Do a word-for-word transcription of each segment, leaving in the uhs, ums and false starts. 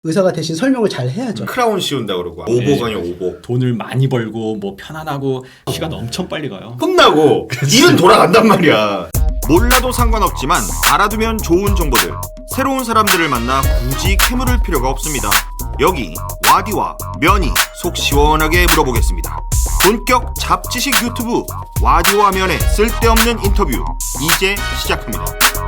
의사가 대신 설명을 잘 해야죠. 크라운 씌운다 그러고 오복아니요 오복. 돈을 많이 벌고 뭐 편안하고 시간 엄청 빨리 가요. 끝나고 일은 돌아간단 말이야. 몰라도 상관없지만 알아두면 좋은 정보들. 새로운 사람들을 만나 굳이 캐물을 필요가 없습니다. 여기 와디와 면이 속 시원하게 물어보겠습니다. 본격 잡지식 유튜브 와디와 면의 쓸데없는 인터뷰 이제 시작합니다.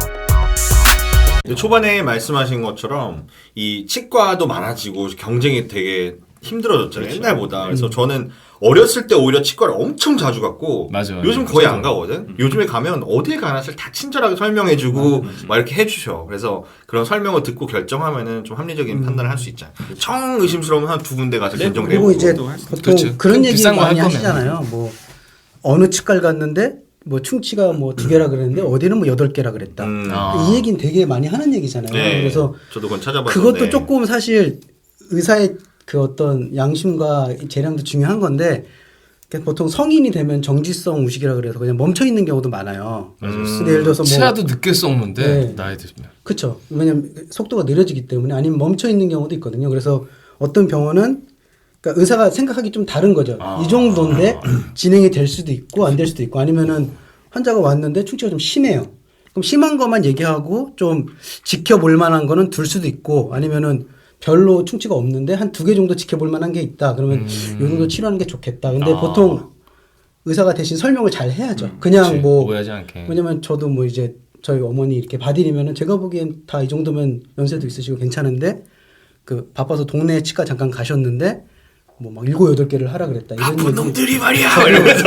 초반에 말씀하신 것처럼 이 치과도 많아지고 경쟁이 되게 힘들어졌잖아요. 그렇죠. 옛날보다. 그래서 음. 저는 어렸을 때 오히려 치과를 엄청 자주 갔고 맞아요. 요즘 거의 안 가거든. 음. 요즘에 가면 어딜 가나 다 친절하게 설명해주고 음. 막 이렇게 해주셔. 그래서 그런 설명을 듣고 결정하면은 좀 합리적인 음. 판단을 할 수 있잖아요. 청 의심스러우면 한 두 군데 가서 네, 결정해 그리고 이제 보통 그렇죠. 그런 얘기 많이 거 하시잖아요. 뭐 어느 치과를 갔는데 뭐 충치가 뭐 두 개라 그랬는데 어디는 뭐 여덟 개라 그랬다. 음. 아. 이 얘기는 되게 많이 하는 얘기잖아요. 네. 그래서 저도 그건 찾아봤는데 그것도 조금 사실 의사의 그 어떤 양심과 재량도 중요한 건데 보통 성인이 되면 정지성 우식이라 그래서 그냥 멈춰 있는 경우도 많아요. 음. 근데 예를 들어서 뭐 치아도 늦게 썩는데 네. 나이 들면. 그렇죠. 왜냐면 속도가 느려지기 때문에 아니면 멈춰 있는 경우도 있거든요. 그래서 어떤 병원은 그러니까 의사가 생각하기 좀 다른 거죠. 아. 이 정도인데 진행이 될 수도 있고 안 될 수도 있고 아니면은 환자가 왔는데 충치가 좀 심해요. 그럼 심한 것만 얘기하고 좀 지켜볼 만한 거는 둘 수도 있고 아니면은 별로 충치가 없는데 한 두 개 정도 지켜볼 만한 게 있다. 그러면 음. 요 정도 치료하는 게 좋겠다. 근데 아. 보통 의사가 대신 설명을 잘 해야죠. 음. 그냥 그치. 뭐 오해하지 않게. 왜냐면 저도 뭐 이제 저희 어머니 이렇게 봐드리면은 제가 보기엔 다 이 정도면 연세도 있으시고 괜찮은데 그 바빠서 동네 치과 잠깐 가셨는데 뭐 막 일곱 여덟 개를 하라 그랬다. 이런 바쁜 얘기 놈들이 말이야. 이러면서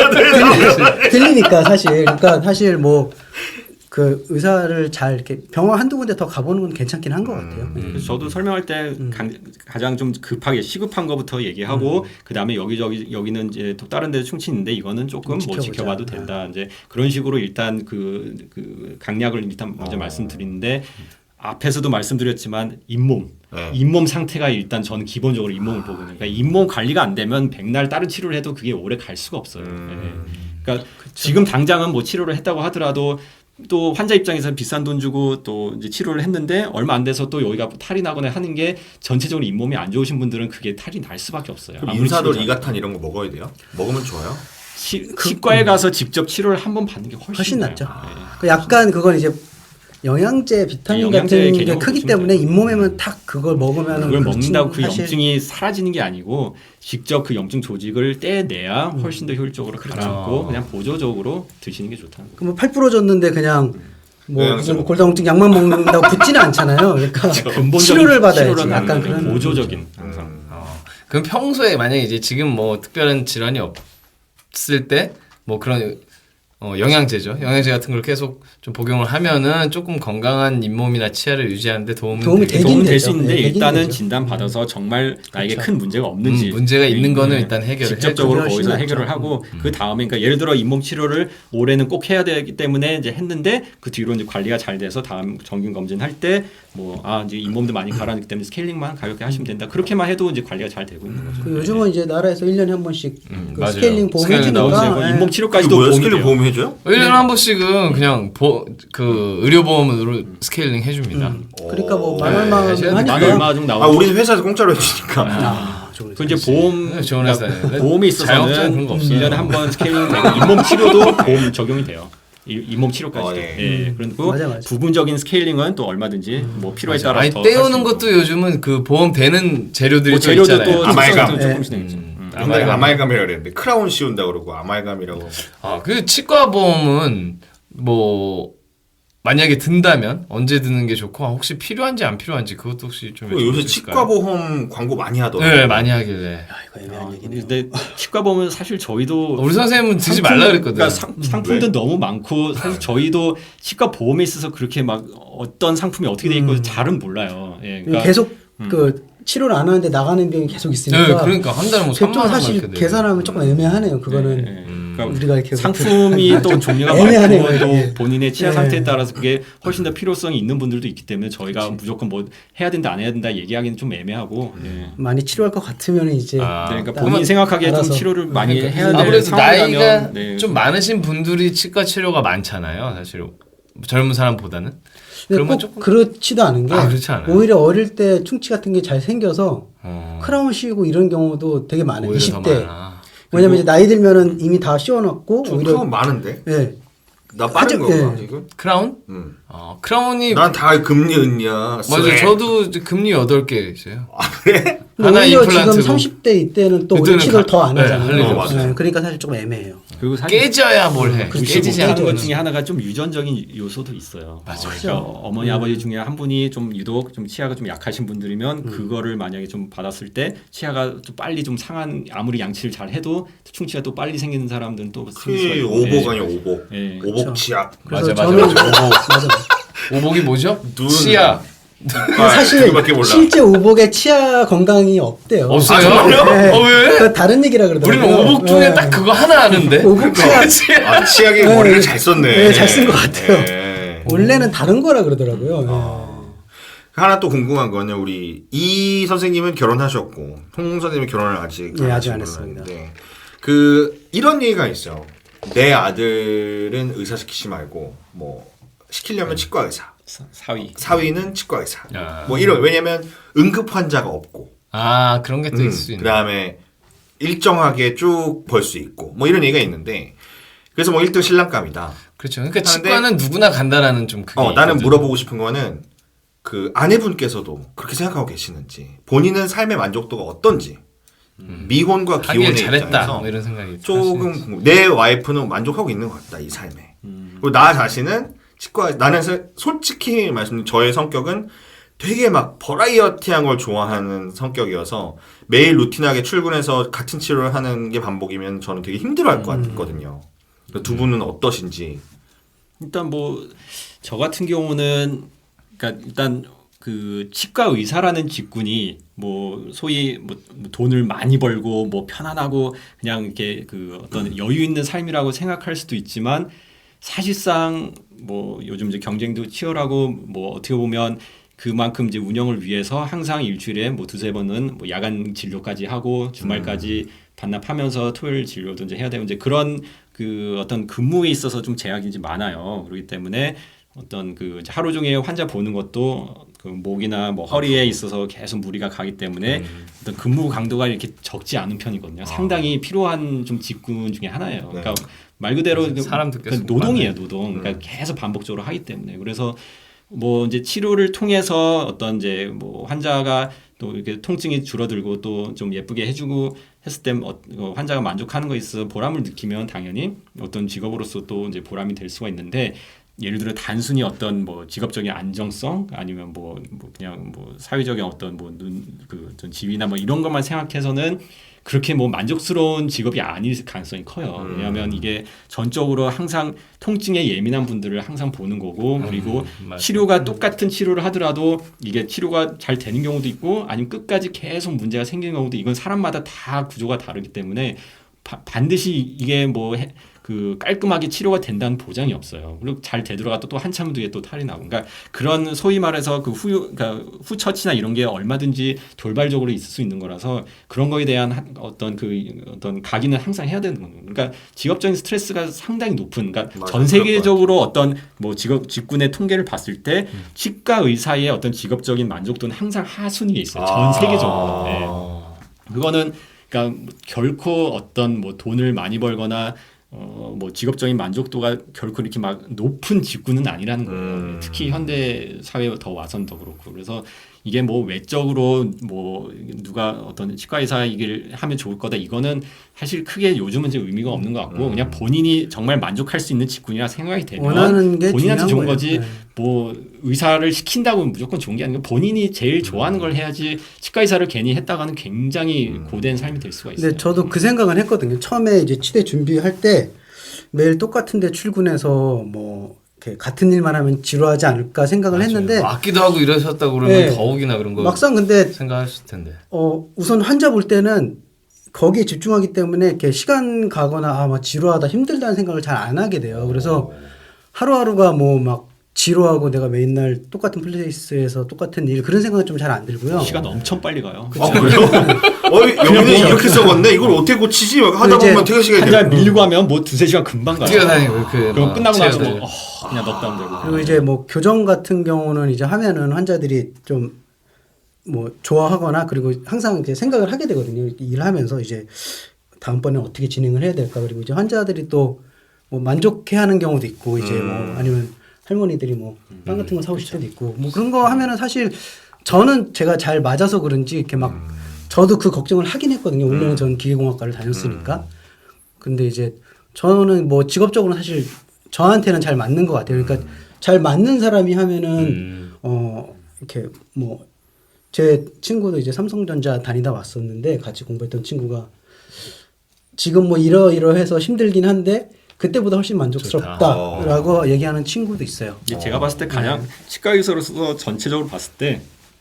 들리니까 사실 그러니까 사실 뭐 그 의사를 잘 이렇게 병원 한두 군데 더 가보는 건 괜찮긴 한 것 같아요. 음. 그래서 저도 설명할 때 음. 가장 좀 급하게 시급한 것부터 얘기하고 음. 그 다음에 여기저기 여기는 이제 또 다른 데 충치 있는데 이거는 조금 뭐 지켜봐도 된다. 아. 이제 그런 식으로 일단 그, 그 강약을 일단 먼저 어. 말씀드리는데 앞에서도 말씀드렸지만 잇몸, 네. 잇몸 상태가 일단 저는 기본적으로 잇몸을 아. 보거든요. 그러니까 잇몸 관리가 안 되면 백날 다른 치료를 해도 그게 오래 갈 수가 없어요. 음. 네. 그러니까 그쵸. 지금 당장은 뭐 치료를 했다고 하더라도 또 환자 입장에서는 비싼 돈 주고 또 이제 치료를 했는데 얼마 안 돼서 또 여기가 탈이 나거나 하는 게 전체적으로 잇몸이 안 좋으신 분들은 그게 탈이 날 수밖에 없어요. 그럼 인사돌, 이가탄 이런 거 먹어야 돼요? 먹으면 좋아요? 치, 치과에 가서 직접 치료를 한번 받는 게 훨씬, 훨씬 낫죠. 아. 네. 그 약간 그건 이제 영양제, 비타민 네, 같은 게 크기 때문에 잇몸에만 탁 그걸 먹으면 그걸 먹는다고 그 영증이 사라지는 게 아니고 직접 그 영증 조직을 떼내야 훨씬 더 효율적으로 가라앉고 음. 그냥 보조적으로 드시는 게 좋다는 거예요. 그럼 팔 부러졌는데 그냥 뭐 무슨 골다공증 약만 먹는다고 붙지는 않잖아요. 그러니까 치료를 받아야지. 약간 그런 보조적인 항상. 음. 어. 그럼 평소에 만약에 이제 지금 뭐 특별한 질환이 없을 때 뭐 그런 어, 영양제죠. 영양제 같은 걸 계속 좀 복용을 하면은 조금 건강한 잇몸이나 치아를 유지하는데 도움은 도움이 되게 도움이 될 수 있는데 네, 일단은 되죠. 진단 받아서 정말 나에게 그렇죠. 큰 문제가 없는지 음, 문제가 있는 거는 네. 일단 해결을 직접적으로 해야죠. 거기서 해결을 하고 음. 그 다음에 그러니까 예를 들어 잇몸 치료를 올해는 꼭 해야 되기 때문에 이제 했는데 그 뒤로 이제 관리가 잘 돼서 다음 정기 검진 할 때 뭐 아 이제 잇몸도 많이 가라앉기 때문에 스케일링만 가볍게 하시면 된다. 그렇게만 해도 이제 관리가 잘 되고 있는 거죠. 그 요즘은 이제 나라에서 일 년에 한 번씩 음, 그 스케일링 보험 해주니까 네. 잇몸 치료까지도 뭐야, 도움이 스케일링 돼요. 보험 해줘요? 일 년에 한 번씩은 그냥 보, 그 의료보험으로 스케일링 해줍니다. 음. 그러니까 뭐 만 네, 얼마 하셔야 만 하니까 얼마 정도 나오고. 아 우리는 회사에서 공짜로 해주니까. 아, 그 이제 보험 네, 좋은 회사예요. 보험이 자영업자는 있어서는 그런 거 없어요. 일 년에 한 번 스케일링 되고 잇몸 치료도 보험 적용이 돼요. 이- 잇몸 치료까지. 어, 도 네. 예. 그리고 맞아, 맞아. 부분적인 스케일링은 또 얼마든지 음. 뭐 필요에 맞아. 따라 아니 더 떼우는 것도 요즘은 그 보험 되는 재료들이 뭐 또 재료도 있잖아요. 또 아말감. 조금씩 조금씩 네. 되겠죠. 음. 음. 옛날에 아말감. 아말감이라고 그랬는데 크라운 씌운다 그러고 아말감이라고. 아, 그 치과 보험은 뭐 만약에 든다면 언제 드는 게 좋고 혹시 필요한지 안 필요한지 그것도 혹시 좀 요새 여쭤볼 수 치과 있을까요? 보험 광고 많이 하더라고요. 네, 많이 하길래. 야, 이거 애매한 아, 얘기네요. 근데 치과 보면 사실 저희도 우리 선생님은 드지 상품, 말라 그랬거든. 그러니까 상, 상품도 왜? 너무 많고 사실 저희도 치과 보험에 있어서 그렇게 막 어떤 상품이 어떻게 돼 있고 음. 잘은 몰라요. 예, 그러니까 계속 음. 그 치료를 안 하는데 나가는 비용이 계속 있으니까. 네, 그러니까 한 달에 뭐 그게 좀 삼만 원 사실 이렇게 계산하면 조금 애매하네요. 그거는 예, 예. 음. 그러니까 우리가 이렇게 상품이 또 종류가 애매하네요, 많고 또 이게. 본인의 치아 예. 상태에 따라서 그게 훨씬 더 필요성이 있는 분들도 있기 때문에 저희가 무조건 뭐 해야 된다 안 해야 된다 얘기하기는 좀 애매하고 예. 많이 치료할 것 같으면 이제 아, 그러니까 딱 본인 생각하기에 좀 알아서. 치료를 많이 그러니까 해야 될 아무래도 나이가 상황이라면 네. 좀 많으신 분들이 치과 치료가 많잖아요, 사실. 젊은 사람보다는. 근데 그러면 꼭 조금 그렇지도 않은 게 아, 그렇지 않아요? 오히려 어릴 때 충치 같은 게 잘 생겨서 어, 크라운 씌우고 이런 경우도 되게 많아요. 오히려 이십 더 대. 많아. 왜냐면 이제 나이 들면은 이미 다 씌워놨고 좀 오히려 크면 많은데? 예. 나 빠른 하지- 거야 예. 지금? 크라운? 응. 어, 크라운이 난 다 금리 은냐. 맞아요. 저도 이제 금리 여덟 개 있어요. 근데 하나 오히려 임플란트고. 지금 삼십 대 이때는 또 그때는 원칙을 가- 더 안 네, 하잖아요. 할 일이 없어요. 네, 그러니까 사실 조금 애매해요. 그리고 사실 깨져야 뭘 해. 그렇지, 깨지지 뭐 않는 하는 것 거는. 중에 하나가 좀 유전적인 요소도 있어요. 맞아요. 그러니까 어머니 아버지 중에 한 분이 좀 유독 좀 치아가 좀 약하신 분들이면 음. 그거를 만약에 좀 받았을 때 치아가 좀 빨리 좀 상한 아무리 양치를 잘 해도 충치가 또 빨리 생기는 사람들은 또 생길 수가 그 있고. 오복 예. 아니야 오복. 예. 오복 치약. 그래서 맞아, 맞아, 저는 맞아. 맞아. 오복이 뭐죠? 눈. 치아. 아, 사실 그거밖에 몰라. 실제 오복에 치아 건강이 없대요. 없어요? 아, 정말요? 네. 어, 왜? 그거 다른 얘기라 그러더라고요. 우리는 오복 중에 네. 딱 그거 하나 아는데. 오복 치아. 아, 치약에 네. 머리를 잘 썼네. 네, 잘 쓴 것 같아요. 네. 원래는 다른 거라 그러더라고요. 네. 어. 하나 또 궁금한 거는 우리 이 선생님은 결혼하셨고 홍 선생님은 결혼을 아직 네, 아직 하신 안 걸로 했습니다. 아는데 그 이런 얘기가 있어요. 내 아들은 의사 시키지 말고 뭐 시키려면 치과 의사, 사- 사위. 사위는 치과 의사. 아. 뭐 이런 왜냐면 응급 환자가 없고 아, 그런 게 또 음, 있을 수 있네. 그다음에 일정하게 쭉 벌 수 있고 뭐 이런 얘기가 있는데 그래서 뭐 일 등 신랑감이다. 그렇죠. 그러니까 하는데- 치과는 누구나 간다라는 좀 그게 어, 나는 있거든. 물어보고 싶은 거는 그 아내분께서도 그렇게 생각하고 계시는지 본인은 삶의 만족도가 어떤지 미혼과 하길 기혼의 잘했다. 입장에서 뭐 이런 생각이 조금 들 수 있지. 궁금- 내 와이프는 만족하고 있는 것 같다 이 삶에 그리고 나 자신은 치과 나는 사- 솔직히 말씀 저의 성격은 되게 막 버라이어티한 걸 좋아하는 성격이어서 매일 루틴하게 출근해서 같은 치료를 하는 게 반복이면 저는 되게 힘들어할 것 같거든요. 두 분은 어떠신지. 일단 뭐 저 같은 경우는 그러니까 일단 그 치과 의사라는 직군이 뭐 소위 뭐 돈을 많이 벌고 뭐 편안하고 그냥 이렇게 그 어떤 여유 있는 삶이라고 생각할 수도 있지만 사실상 뭐 요즘 이제 경쟁도 치열하고 뭐 어떻게 보면 그만큼 이제 운영을 위해서 항상 일주일에 뭐 두세 번은 뭐 야간 진료까지 하고 주말까지 반납하면서 토요일 진료도 이제 해야 되고 이제 그런 그 어떤 근무에 있어서 좀 제약이 이제 많아요. 그렇기 때문에 어떤 그 이제 하루 종일 환자 보는 것도 그 목이나 뭐 허리에 있어서 계속 무리가 가기 때문에 어떤 근무 강도가 이렇게 적지 않은 편이거든요. 상당히 필요한 좀 직군 중에 하나예요. 그러니까 말 그대로 그 사람들 그 노동이에요, 노동. 그러니까 계속 반복적으로 하기 때문에 그래서 뭐 이제 치료를 통해서 어떤 이제 뭐 환자가 또 이렇게 통증이 줄어들고 또 좀 예쁘게 해주고 했을 때 어, 환자가 만족하는 거에 있어서 보람을 느끼면 당연히 어떤 직업으로서 또 이제 보람이 될 수가 있는데 예를 들어 단순히 어떤 뭐 직업적인 안정성 아니면 뭐, 뭐 그냥 뭐 사회적인 어떤 뭐 눈 그 지위나 뭐 이런 것만 생각해서는 그렇게 뭐 만족스러운 직업이 아닐 가능성이 커요. 왜냐하면 이게 전적으로 항상 통증에 예민한 분들을 항상 보는 거고 그리고 맞아요. 치료가 똑같은 치료를 하더라도 이게 치료가 잘 되는 경우도 있고 아니면 끝까지 계속 문제가 생기는 경우도 이건 사람마다 다 구조가 다르기 때문에 바, 반드시 이게 뭐 그 깔끔하게 치료가 된다는 보장이 없어요. 그리고 잘 되돌아가도 또 한참 뒤에 또 탈이 나고, 그러니까 그런 소위 말해서 그 후, 그러니까 후처치나 이런 게 얼마든지 돌발적으로 있을 수 있는 거라서 그런 거에 대한 한, 어떤 그 어떤 각인은 항상 해야 되는 거예요. 그러니까 직업적인 스트레스가 상당히 높은, 그러니까 맞아, 전 세계적으로 어떤 뭐 직업 직군의 통계를 봤을 때 음. 치과 의사의 어떤 직업적인 만족도는 항상 하순위에 있어요. 전 세계적으로. 네. 그거는 그러니까 결코 어떤 뭐 돈을 많이 벌거나 어 뭐 직업적인 만족도가 결코 이렇게 막 높은 직군은 아니라는 거예요. 음. 특히 현대 사회에 더 와선 더 그렇고 그래서 이게 뭐 외적으로 뭐 누가 어떤 치과 의사 이길 하면 좋을 거다 이거는 사실 크게 요즘은 이제 의미가 없는 것 같고 음. 그냥 본인이 정말 만족할 수 있는 직군이라 생각이 되면 원하는 게 본인한테 좋은 거예요. 거지. 네. 뭐 의사를 시킨다고 무조건 좋은 게 아니고 본인이 제일 좋아하는 걸 해야지 치과 의사를 괜히 했다가는 굉장히 음. 고된 삶이 될 수가 있어요. 근데 저도 그 생각은 했거든요. 처음에 이제 치대 준비할 때 매일 똑같은데 출근해서 뭐 이렇게 같은 일만 하면 지루하지 않을까 생각을 맞아요. 했는데 뭐 악기도 하고 이러셨다 그러면 네. 더욱이나 그런 거 막상 근데 생각하실 텐데. 어 우선 환자 볼 때는 거기에 집중하기 때문에 이렇게 시간 가거나 아 막 지루하다 힘들다는 생각을 잘 안 하게 돼요. 그래서 하루하루가 뭐 막 지루하고 내가 맨날 똑같은 플레이스에서 똑같은 일 그런 생각은 좀 잘 안 들고요. 시간 엄청 빨리 가요. 아, 그래요? 어이, 여기는 이렇게 써봤네? 이걸 어떻게 고치지? 하다 이제 보면 퇴근 시간이 한 달 밀리고 하면 뭐 두세 시간 금방 가요. 뛰어다니고 그 그럼 막 끝나고 나서 체어들. 뭐 어, 그냥 넉다운 되고. 그리고 이제 뭐 교정 같은 경우는 이제 하면은 환자들이 좀 뭐 좋아하거나 그리고 항상 이제 생각을 하게 되거든요. 일을 하면서 이제 다음번에 어떻게 진행을 해야 될까. 그리고 이제 환자들이 또 뭐 만족해하는 경우도 있고 이제 음. 뭐 아니면 할머니들이 뭐 빵 같은 거 사오실 때도 있고 뭐 그런 거 하면은 사실 저는 제가 잘 맞아서 그런지 이렇게 막 음. 저도 그 걱정을 하긴 했거든요. 원래는 저는 기계공학과를 다녔으니까. 근데 이제 저는 뭐 직업적으로는 사실 저한테는 잘 맞는 것 같아요. 그러니까 잘 맞는 사람이 하면은 음. 어 이렇게 뭐 제 친구도 이제 삼성전자 다니다 왔었는데 같이 공부했던 친구가 지금 뭐 이러이러해서 힘들긴 한데 그때보다 훨씬 만족스럽다라고 얘기하는 친구도 있어요. 이게 제가 봤을 때 가장 치과 의사로서 전체적으로 봤을 때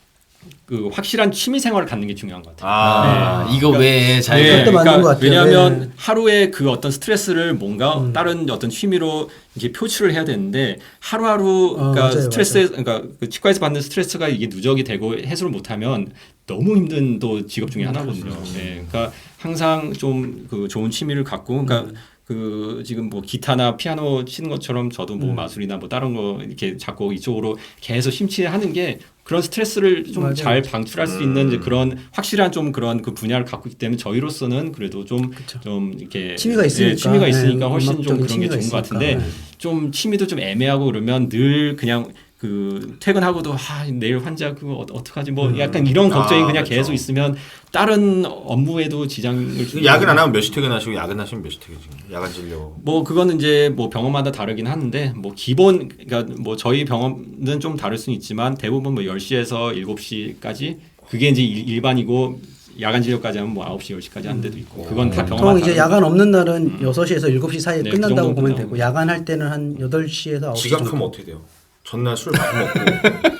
그 확실한 취미 생활을 갖는 게 중요한 것 같아요. 아, 이거 그러니까- 외에 잘 네, 그것도 맞는 것 같아요. 왜냐하면 네. 하루에 그 어떤 스트레스를 뭔가 음. 다른 어떤 취미로 이렇게 표출을 해야 되는데 하루하루 어, 그러니까 맞아요, 스트레스 맞아요. 그러니까 그 치과에서 받는 스트레스가 이게 누적이 되고 해소를 못하면 너무 힘든 또 직업 중에 하나거든요. 네, 그러니까 항상 좀 그 좋은 취미를 갖고 그러니까 음. 그 지금 뭐 기타나 피아노 치는 것처럼 저도 뭐 음. 마술이나 뭐 다른 거 이렇게 작곡 이쪽으로 계속 심취하는 게 그런 스트레스를 좀 맞아요. 잘 방출할 수 있는 이제 그런 확실한 좀 그런 그 분야를 갖고 있기 때문에 저희로서는 그래도 좀 좀 이렇게 취미가 있으니까. 예, 취미가 있으니까 네, 훨씬 좀 음악적인 그런 게 취미가 좋은 것 있으니까. 같은데 네. 좀 취미도 좀 애매하고 그러면 늘 그냥 그 퇴근하고도 아 내일 환자 그거 어, 어떡하지 뭐 약간 이런 걱정이 아, 그냥 그렇죠. 계속 있으면 다른 업무에도 지장을 주고 야근 안 하면 몇 시 퇴근하시고 야근하시면 몇 시 퇴근하시고 야간 진료. 뭐 그거는 이제 뭐 병원마다 다르긴 하는데 뭐 기본 그러니까 뭐 저희 병원은 좀 다를 수는 있지만 대부분 뭐 열 시에서 일곱 시까지 그게 이제 일- 일반이고 야간 진료까지 하면 뭐 아홉 시 열 시까지 하는 데도 있고 그건 다 병원마다 보통 이제 다른 야간 없는 날은 여섯 시에서 일곱 시 사이에 네, 그 끝난다고 정도 보면 끝나고. 되고 야간 할 때는 한 여덟 시에서 아홉 시 지각하면 정도. 어떻게 돼요? 전날 술 많이 먹고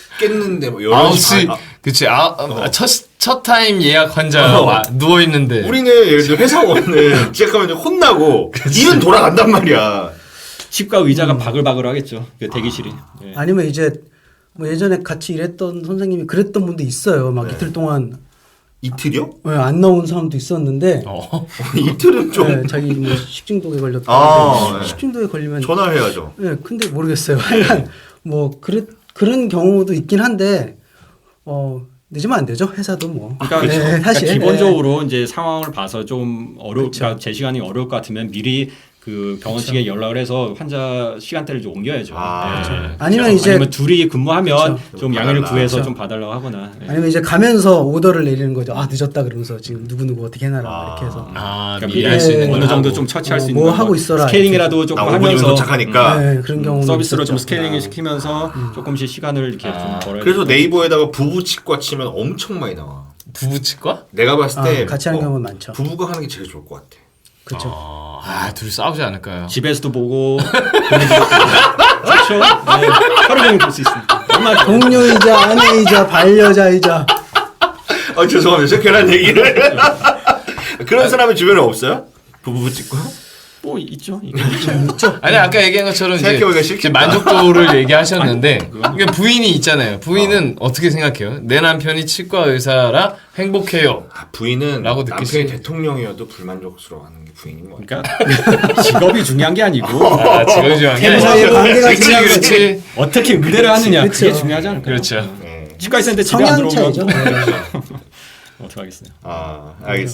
깼는데 뭐 아홉 열한 시 시 반. 아, 그치 아, 아, 첫, 첫 타임 예약 환자 어. 와, 누워있는데 우리는 예를 들어 회사원은 지각하면 이제 혼나고 일은 돌아간단 말이야. 치과 의자가 바글바글 하겠죠. 그 대기실이. 예. 아니면 이제 뭐 예전에 같이 일했던 선생님이 그랬던 분도 있어요. 막 네. 이틀 동안 이틀이요? 예, 안 나온 사람도 있었는데 어. 이틀은 좀 예, 자기 뭐 식중독에 걸렸다. 아, 네. 식중독에 걸리면 전화해야죠. 예, 근데 모르겠어요. 하여간 뭐 그래, 그런 경우도 있긴 한데 어 늦으면 안 되죠. 회사도 뭐. 그러니까, 네, 그러니까 사실 기본적으로 이제 상황을 봐서 좀 어려, 그쵸. 그러니까 제 시간이 어려울 것 같으면 미리 그 병원 측에 연락을 해서 환자 시간대를 좀 옮겨야죠. 아, 네. 그렇죠. 아니면 이제 아니면 둘이 근무하면 그쵸. 좀 양해를 봐달라. 구해서 그쵸. 좀 봐달라고 하거나. 네. 아니면 이제 가면서 오더를 내리는 거죠. 아 늦었다 그러면서 지금 누구 누구 어떻게 해놔라 아. 이렇게 해서. 아 그러니까 미리 예, 할 수 있는 예. 어느 건 정도 하고. 좀 처치할 어, 수 있는 뭐 거. 하고 있어라. 스케일링이라도 조금 나 오 분이면 하면서 도착하니까. 네, 그런 경우 음, 서비스로 좀 있었죠. 스케일링 아. 시키면서 조금씩 시간을 이렇게 아. 좀 벌어야 그래서 되고. 네이버에다가 부부 치과 치면 엄청 많이 나와. 부부치과? 내가 봤을 때 아, 같이 하는 어, 경우는 많죠. 부부가 하는 게 제일 좋을 것 같아. 그렇죠. 아, 아 둘이 싸우지 않을까요? 집에서도 보고 그렇죠. 네. 하루 종일 볼 수 있으니까. 얼마나 좋아요. 동료이자 아내이자 반려자이자 아 죄송합니다. 제가 괜한 얘기를. 그런 사람이 주변에 없어요? 부부 치과? 뭐 있죠. 아니 아까 얘기한 것처럼 이제, 생각해보니까 이제 싫겠다. 만족도를 얘기하셨는데 그러니까 부인이 있잖아요. 부인은 어. 떻게 생각해요? 내 남편이 치과 의사라 행복해요. 아, 부인은 라고 남편이 느끼시- 대통령이어도 불만족스러워하는 게 부인인 것 같아. 그러니까 직업이 중요한 게 아니고 아, 직업이 중요한 게 부부 아니라 사이의 관계가 그렇지 중요한 거지. 그렇지. 어떻게 의대를 하느냐 그게 그렇죠. 중요하지 않을까요? 그렇죠. 네. 치과 의사인데 집에 안 성향 차이죠. 들어오면 네. 어떻게 하겠어요? 아 알겠습니다.